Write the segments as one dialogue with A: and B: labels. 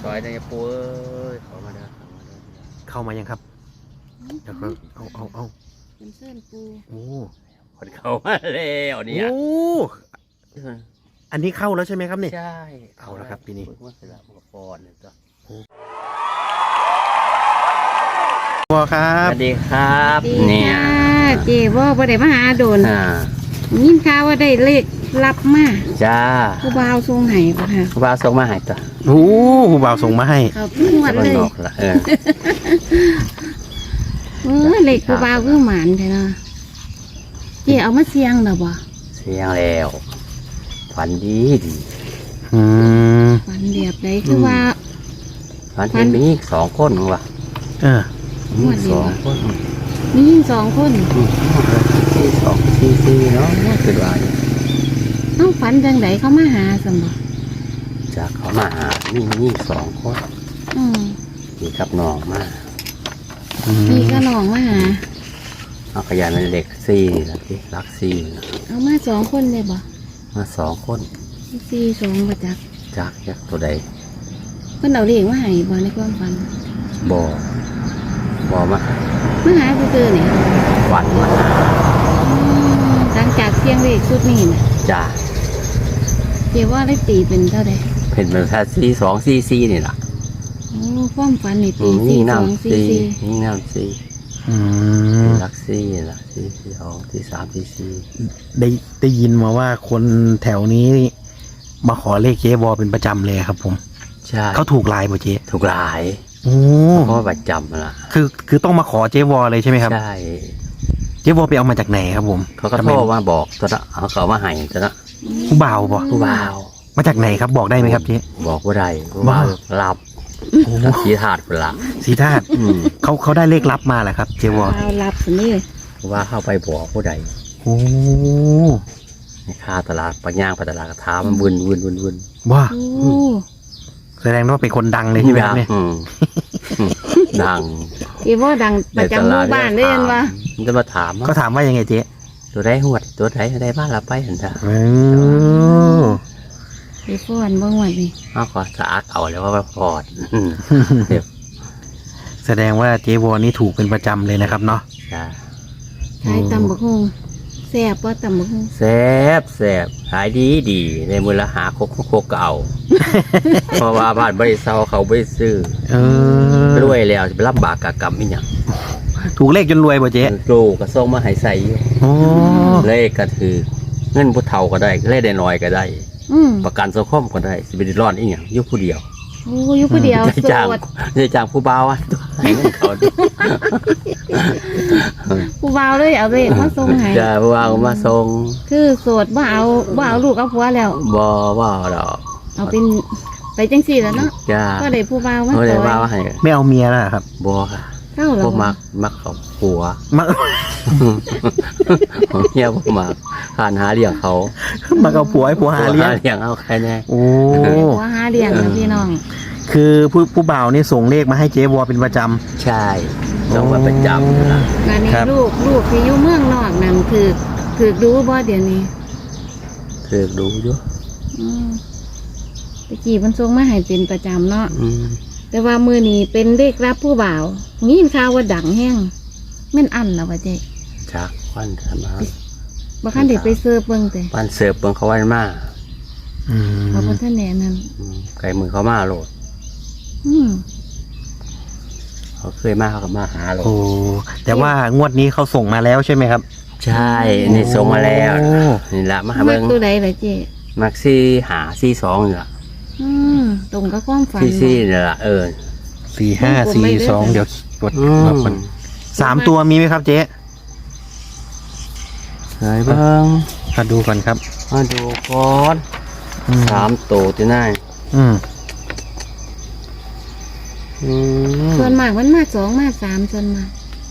A: อยในปูเอ้ยเข้ามาเด้อเข้ามาเด้อ
B: เข้ามายังครับเดี๋ยวเอา
C: เป็นเส้นปู
B: โอ้
A: คนเข้ามาแล้วเนี่ย
B: โอ้อันนี้เข้าแล้วใช่ไหมครับเนี่ย
A: ใช่
B: เอาละครับปีนี้
A: ว่าสลับกับปอนเนี่ยจ้ะ
B: พ่อครั
A: ส
B: บ
A: วัสดีครับ
C: ดี
A: เนี่ย
C: ค่ะเจ๊ว่าบ่ได้มาหาโดน
A: อ่า
C: ยินข่าวว่าได้เลขรับมา
A: จ้า
C: ผู้บ่าวทรงไห้ป่ะค่ะ
A: ว่าส่งมาให้ตัว
B: โอ้ผู้บ่าวส่งมาให้
C: เขาทุกงวด
A: คน
C: เลย
A: นอกละ
C: เลขผู้บ่าวคือหมานใช่เนาะเจ๊เอามาเสียงเหรอบ่
A: เสียงแล้วฝันดีดี
B: อืม
C: ฝันเรียบเลยคือว่า
A: ฝันเห็นมีอีกสองคนว่ะ
B: เออ
C: งวดเดียว
A: สองคน
C: มียิ่งสองคน
A: สี่สองสี่เนาะคือว่า
C: ต้องฝันจังไดเขามาหาสมบ่
A: จากเขามาหามีสองคน
C: อืม
A: มีกับน้องมา
C: พี่ก็น้องมาหา
A: เอาขยายเป็นเด็กสี่ละที่รักสี่นะ
C: เอามาสองคนเลยบ่
A: มาสองคน
C: สี่สองบ่จัก
A: จากยักษ์ตัวใด
C: เพิ่นเอาเลขมาให้บ่ในความฝัน
A: บ่มา
C: มาหาคือๆนี่
A: ฝันมาหา
C: หลังจากเสียงเลขชุดนี้น่ะ
A: จ้า
C: เจ๊ว่าได้ตีเป็นเท่าใด
A: เป็นแบบแค่สี่นี่แหละ
C: โอ้ความฝันนี่ตี
A: ยิ่
C: สี่
A: ง
C: สอง
A: น้ำ
C: สี่
A: สี่
C: สี่
A: ยิ่งน้ำสี่
B: อืม
A: รักสี่ละสี่สองสี่สามสี่
B: ได้ยินมาว่าคนแถวนี้มาขอเลขเจ๊วอเป็นประจำเลยครับผม
A: ใช่
B: เขาถูกลายป่ะเจ๊
A: ถูกหลาย
B: โอ้
A: เพราะว่าประจำล่ะ
B: คือต้องมาขอเจ๊วอเลยใช่ไหมครับ
A: ใช่
B: เจ๊วอไปเอามาจากไหนครับผม
A: เขาก็
B: ทำ
A: โท
B: ไม
A: รมาบอกตัวละเอาเขามาให้ตัวละ
B: ผู้บ่าวป่ะ
A: ผู้บ่าว
B: มาจากไหนครับบอกได้ไหมครับเจ๊
A: บอกว่าได้ผู้บ่าวหลับ
B: โอ้
A: สีถาดเป็นละ
B: สีธาตุ
A: อืม
B: เขาได้เลขลับมาแหละครับเจ๊วอ
C: เอารับสินี่
A: ว่าเข้าไปบอกผู้ใด
B: โอ้
A: ในค่าตลาดปัญญางไปตลาดกระทามันวุ่น
B: ว่า
C: โอ้
B: แสดงว่าเป็นคนดังเลยใช่ไหมครับเนี่ย
A: ดัง
C: เจ๊ว่าดังประจำหมู่บ้านเลยเห็นว่า
A: มันจะมาถาม
B: เขาถามว่ายังไงเจ๊
A: ตัวได้หวดตัวไหนได้บ้านเราไปเห็นจ้ะ
B: โอ้
C: ไปฟ้อนบ่งวดนี่
A: เอาก็สะอาดเอาแล้วว่าพอด
B: แสดงว่าเจ๊วอนี่ถูกเป็นประจำเลยนะครับเนาะ
A: จ้ะ
C: ขายตำบักฮงแซ่บว่าตำบักฮง
A: แซ่บขายดีในมือละหาโคกก็เอา เพราะว่าบ้านบริษัทเขาบริซื้อ
B: เออ
A: รวยแล้วจะไปรับบากกากรรมอีกอย่าง
B: ถูกเลขจนรวยป่ะเจ๊
A: ลูกก็ส่งมาให้ใส่อยู่
B: โอ้
A: เลขก็ถือเงินผู้เฒ่าก็ได้เลขได้น้อยก็ได้
C: อืม
A: ประกันสังคมก็ได้สิบรอดอีกอย่างอยุคผู้เดียว
C: โอ้อยู่ผู้เดียว
A: ได้
C: โส
A: จ้าง
C: ด
A: ได้จ้างผู้บ่าวอ่ะให้เงินเขาด้วย
C: ผู้บ่าวเลยเอาเลขมาส่งให้
A: จ้าผู้บ่าวมาส่ง
C: คือโสดบ่เอาลูกเอาผัวแล้ว
A: บ่ดอก
C: เอาเป็นไปจังสี่แล้วเนาะ
A: จ้า
C: ก็ได้ผู้บ่าวมา
A: เขา
C: ซ
A: ได้
C: อย
A: บ่าวให้
B: ไม่เอาเมียแล้วเหรอครับ
A: บ่ค่ะ
C: เข้าแล้ว
A: บ่
C: บ่
A: มักเขาผัว
B: มา
A: ของเมียบ่มักหาเลี้ยงเขา
B: มาเอาผัวให้ผัวหาเลี้ยง
A: เลี้ยงเอาใครแน่
B: โอ้
C: ผัวหาเลี้ยงนะพี่น้อง
B: คือผู้บ่าวนี่ส่งเลขมาให้เจ๊วอเป็นประจ
A: ใช่ต้องมาประจำนะ
C: งานนี้
B: ครับ
C: ลูกที่อยู่เมืองนอกนั่นถือดูบ่เดี๋ยวนี้
A: คือดูอยู่
C: อืมตะกี้มันส่งมาให้เป็นประจำเนาะ
A: อืม
C: แต่ว่ามือนี้เป็นเลขรับผู้บ่าวงี้ข่าวว่าดังแห้งแม่นอันแล้วว่าเจ๊
A: จากวันธรรมะ
C: บ่คันได้ไปเสิร์ฟเบิ่งแต่
A: วันเสิร์ฟเบิ่งเขาวันมา
B: ำอืม
C: เขาบ่ทันแน่นั่น
A: ไก่มือเขามาโหลด
C: อืม
A: เขาเคยมาเขาก็มาหาโหลด
B: โอ้แต่ว่างวดนี้เขาส่งมาแล้วใช่ไหมครับ
A: ใช่นี่ส่งมาแล้ว
B: โอ้
A: นี่ละมาหา
C: มั
A: เบิ่
C: ก
A: ง
C: ตัวใดล่ะเจ๊
A: มักซี่หาซี่สองนี่ละ
C: อืมตรงกับความฝัน
A: ซี่นี่ละ
B: 4542เดี๋ยวกด
A: อื
B: รับก่อน3 ตัวมีไหมครับเจ๊
A: ไหนเบิ่ง
B: มาดูก่อนครับ
A: มาดูก่อน
B: อืม
A: 3ตัวที่ไหน
B: อืม
C: ส่วนมากมันมาสองมาสามส่วนมาก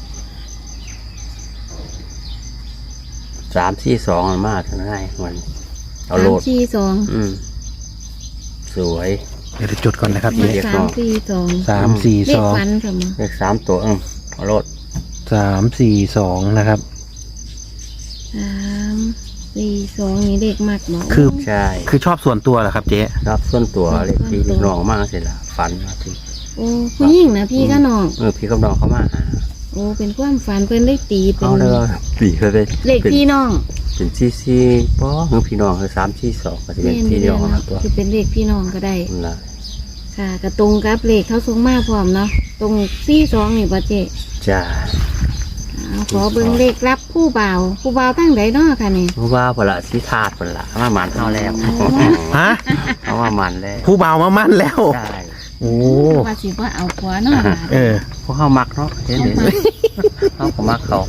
A: 3 4 2มันมาเท่าไหร่มันเอาโหลด
C: 3 4 2
A: สวย
B: เดี๋ยวจดก่อนนะครับ
A: เดี๋
B: เจ๊
A: ยว
C: 3 4 2เลขฝั
B: 342
C: นค่ะมั้ง
A: เลข3ตัวเอาโหลด
B: 342นะครับ
C: 3 42นี่เด็กมากบ่
B: คือ
A: ใช่
B: คือชอบส่วนตัวเหรอครับเจ๊
A: รับส่วนตัวเลยพี่ลูกน้องมากเสร็จละฝันมาพี่
C: โอ้ผู้หญิงนะพี่ก็น้อง
A: พี่กับน้องเขามาหา
C: โอ้เป็นความฝันเพิ่นได้ตีเป็
A: เอา
C: น
A: เลยตีเขาเลย
C: เลขพี่น้อง
A: เป็นซี่ป้อคือพี่น้องคือ342ก็จะเป็นพี่น้องนะตัว
C: คือเป็นเลขพี่น้องก็ได้
A: นั่นล่ะ
C: ค่ะก็ตรงกับเลขเขาส่งมาพร้อมเนาะตรง42นี่บ่เจ๊
A: จ้า
C: เอาขอเบิ่งเลขรับผู้บ่าวตั้งใดเนาะค่ะนี่
A: เพราะว่าพละสิธาตุพละมาหมันเท่าแล้ว
B: ฮะ
A: เขามาหมันแล้ว
B: ผู้บ่าวมามั่นแล้ว
A: ใช่
B: โอ้
C: ว่าสิว่าเอาผัวเนาะ
B: เออ
A: พวกเขามักเนาะเห็นไหมเขาก็มักเขา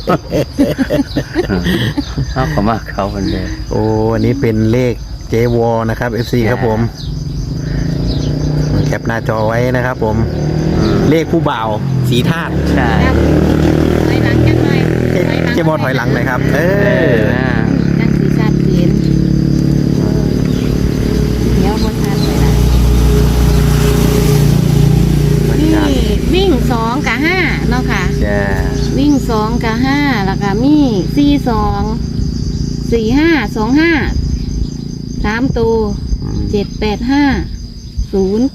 A: เขาก็มักเขาคนเดียว
B: โอ้อันนี้เป็นเลขเจวอนะครับ FC ครับผมแคปหน้าจอไว้นะครับผม เลขผู้บ่าวสีธาตุ
A: ใช่
C: ครับถอยหลังจังหน่อย
B: เจวอถอยหลังหน่อยครับ เออ
C: จังสีชัดเจนเดี๋ยวบ่ทันเลยล่ะนี่วิ่ง2กับ5เนาะค่ะ
A: จ้า
C: วิ่ง2กับ5แล้วก็มี42 45 25 3ตัว785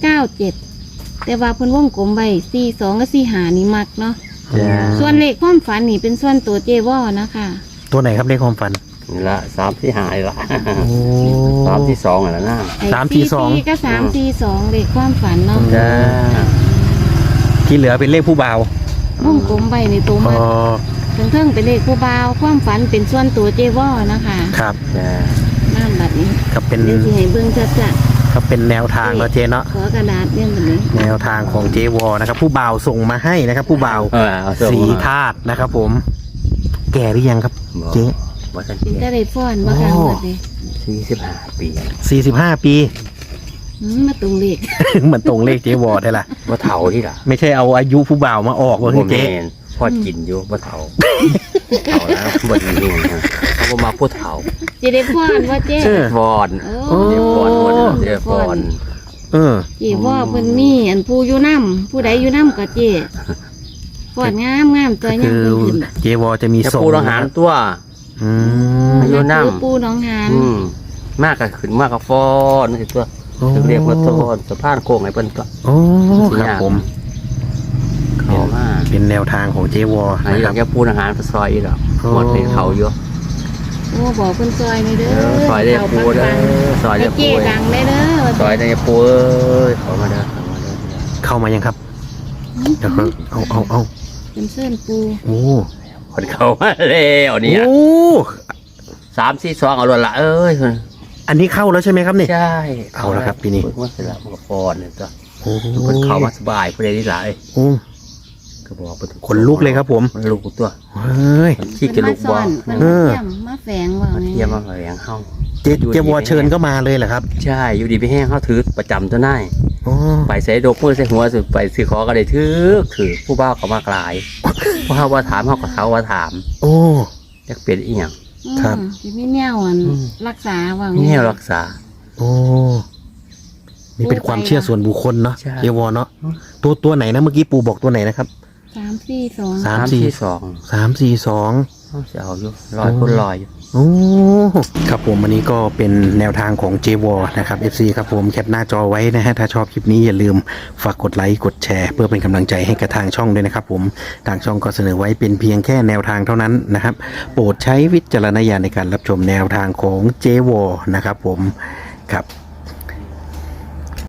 C: 097แต่ว่าเพิ่นวงกลมไว้42กับ45นี่มักเนาะ
A: จ้า
C: ส่วนเลขความฝันนี่เป็นส่วนตัวเจวอนะคะ
B: ตัวไหนครับเลขความฝัน
A: นี่ละ3-4ละ
B: โอ้
A: 3-2อะไรนะ
C: ไอ้
B: 342
C: ก็342เลขความฝันเนาะ
A: จ้า
B: ที่เหลือเป็นเลขผู้บ่าว
C: วงกลมไว้ในตัว
B: อ๋
C: มั
B: อ
C: กเทิงๆเป็นเลขผู้บ่าวความฝันเป็นส่วนตัวเจวอนะคะ
B: ครับ
A: จ้า
C: น้ำบัดนี้
B: ครับเป็น
C: เดี๋ยวสิให้เบิ่งจัด
B: ครับเป็นแนวทางเนาะเจเนาะ
C: ๆขอกระดาษเนี่ยแบบนี้
B: แนวทางของเจวอนะครับ ผู้บ่าวส่งมาให้นะครับ ผู้บ่าว
A: เอาส่ง
B: สี
A: มา
B: ธาตุนะครับ ผม แก่หรือยังครับ เจ๊
A: ว่าสัน
C: เป็น
A: เก
C: จะได้ฟ้อนบ่ค่ะ
B: โอ้
C: บัดนี้
A: 45 ปี
B: 45 ปี
C: มาตรงเลข
B: เหมือนตรงเลขเจวอได้ละ
A: ว่าเฒ่าที่ล่ะ
B: ไม่ใช่เอาอายุผู้บ่าวมาออกว่าคือเจ๊
A: แม่นพ่อกินอยู่ว่าเฒ่าเฒ่าแล้วบ่ดีนี่นะเขาบ่มาพูดเฒ่า
C: จะได้ฟ้อนว่าเจ๊
B: เออ
A: ฟอน
C: โอ้
A: เดี๋ยวฟอนเดี๋ยวฟอน
B: เออ
C: เจ๊ว่าเพิ่นมีอันผู้อยู่นำผู้ใดอยู่นำก็เจ๊ฟ้อนงามตัวยั
B: คื
C: ง
B: อ
C: เพิ่นขึ้น
B: เจวอจะมี
A: จะ
B: ส่ง
A: ปูอาหารตัว
B: อืม
A: อายุนำ
C: คือปูน้องหาน
A: มากก็ขึ้นมากก็ฟอนนี่ตัวถึงเรียกว่าต้นสะพานโค้งให้เพิ่นตัว
B: โอ้ครับผม
A: เข้ามา
B: เป็นแนวทางของเจวอ
A: อันนี้
B: นะ
A: อ
B: ค
A: ยา
B: รั
A: ก
B: บ
A: จะปูอาหารไปซอยอีกหรอก
B: โอ้
A: หมดเป็นเขาอยู่
C: โอ้บอกเพิ่นซอยหน่อยเด้อ
A: ซอยได้ปูเด้อซอย
C: ให้
A: ได้ปู
C: เจ๊ดังได้เด้อ
A: ซอยได้ปูเอ้ยเข้ามาเด้อเข้ามาเด้อ
B: เข้ามายังครับเดี๋ยวครับเอา
C: เป็นเส้นปู
B: โอ้
A: คนเข้ามาแล้วเนี่ย
B: โอ้
A: 3-4-2เอาละละเอ้ย
B: อันนี้เข้าแล้วใช่ไหมครับเนี่ย
A: ใช่
B: เอาละครับปีนี้
A: เพิ่นว่าเสร็จแล้วมันก็ฟอนเนี่ยตัว
B: โอ้
A: เพิ่นเข้ามาสบายผู้ใดที่หลาย
B: โอ้
A: ก็บอกเพิ่น
B: ขนลุกเลยครับผม
A: มันลุกตัว
B: เฮ้ย
A: มันขี้จะลุกบ่
C: เพิ่น
B: เอ
C: มา
B: อ
C: เยี่ยมมาแฝงว่า
A: มัน
C: นี่
A: เทียมมาแหวงเฮา
B: เจวอเชิญก็มาเลยเหรอครับ
A: ใช่อยู่ดีไปแห้งเฮาถือประจำตัวน่าย
B: โอ้
A: ไปใส่ดกมือใส่หัวสุดไปซื้อของก็ได้ถือผู้บ่าวเขามากลายเพราะเขาว่าถามเขาก็เขาว่าถาม
B: โอ้
A: อยากเปลี่ยนอีหยัง
B: ครับ
C: สิมีแนวอัน
A: อืม
C: รักษาว่า
A: นี่แนวรักษา
B: โอ้นี่เป็นความเชื่อส่วนบุคคลเนาะ
A: ใช่
B: เจวอเนาะตัวไหนนะเมื่อกี้ปูบอกตัวไหนนะครับ
C: 342
B: 3-4-2
A: เขาจะเอาอยู่ลอยคนลอยอยู่
B: โอ้ครับผมวันนี้ก็เป็นแนวทางของ j w นะครับ FC ครับผมแคปหน้าจอไว้นะฮะถ้าชอบคลิปนี้อย่าลืมฝากกดไลค์กดแชร์เพื่อเป็นกำลังใจให้กับทางช่องด้วยนะครับผมทางช่องก็เสนอไว้เป็นเพียงแค่แนวทางเท่านั้นนะครับโปรดใช้วิจารณญาณในการรับชมแนวทางของ j w นะครับผมครับ